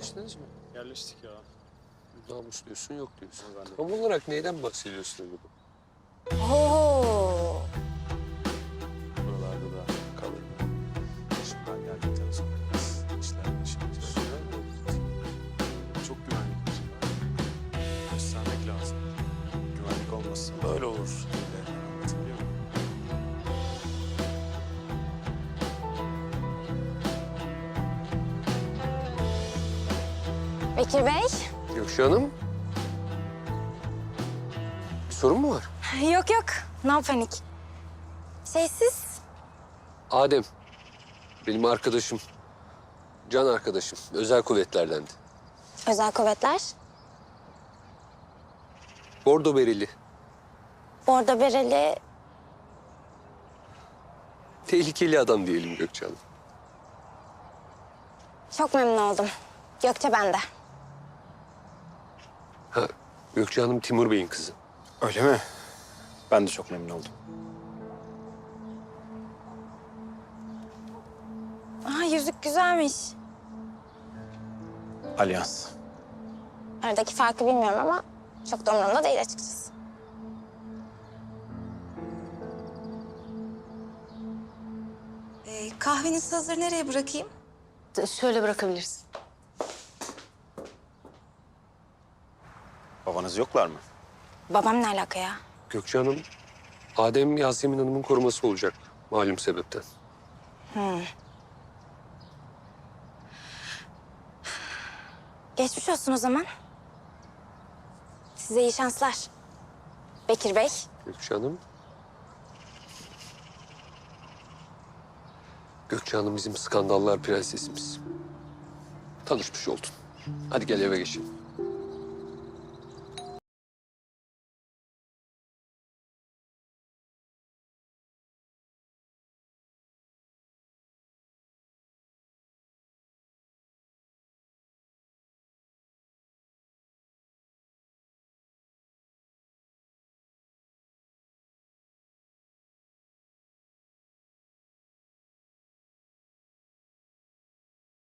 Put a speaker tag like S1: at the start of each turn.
S1: Yerleştiniz mi?
S2: Yerleştik ya.
S1: Namus diyorsun, yok diyorsun.
S2: Ben de.
S1: Tam olarak neyden bahsediyorsun acaba?
S3: Oo.
S2: Buralarda da kalır. Şimdi ben geldikten sonra biraz işler başlayacak. Çok güvenlik var. Göstermek lazım. Güvenlik olmazsa böyle olur. Anlatabiliyor muyum?
S3: Bekir Bey.
S1: Gökçe Hanım. Bir sorun mu var?
S3: Yok yok. No panik. Siz?
S1: Adem. Benim arkadaşım. Can arkadaşım. Özel kuvvetlerdendi.
S3: Özel kuvvetler.
S1: Bordo bereli.
S3: Bordo bereli.
S1: Tehlikeli adam diyelim Gökçe Hanım.
S3: Çok memnun oldum. Gökçe bende.
S1: Ha, Gökçe Hanım Timur Bey'in kızı.
S2: Öyle mi? Ben de çok memnun oldum.
S3: Aa, yüzük güzelmiş.
S2: Alyans.
S3: Aradaki farkı bilmiyorum ama çok da umurumda değil açıkçası.
S4: Kahveniz hazır. Nereye bırakayım?
S5: Şöyle bırakabilirsin.
S2: Babanız yoklar mı?
S3: Babam ne alaka ya?
S1: Gökçe Hanım, Adem Yasemin Hanım'ın koruması olacak malum sebepten.
S3: Geçmiş olsun o zaman. Size iyi şanslar. Bekir Bey.
S1: Gökçe Hanım. Gökçe Hanım bizim skandallar prensesimiz. Tanışmış oldun. Hadi gel eve geçelim.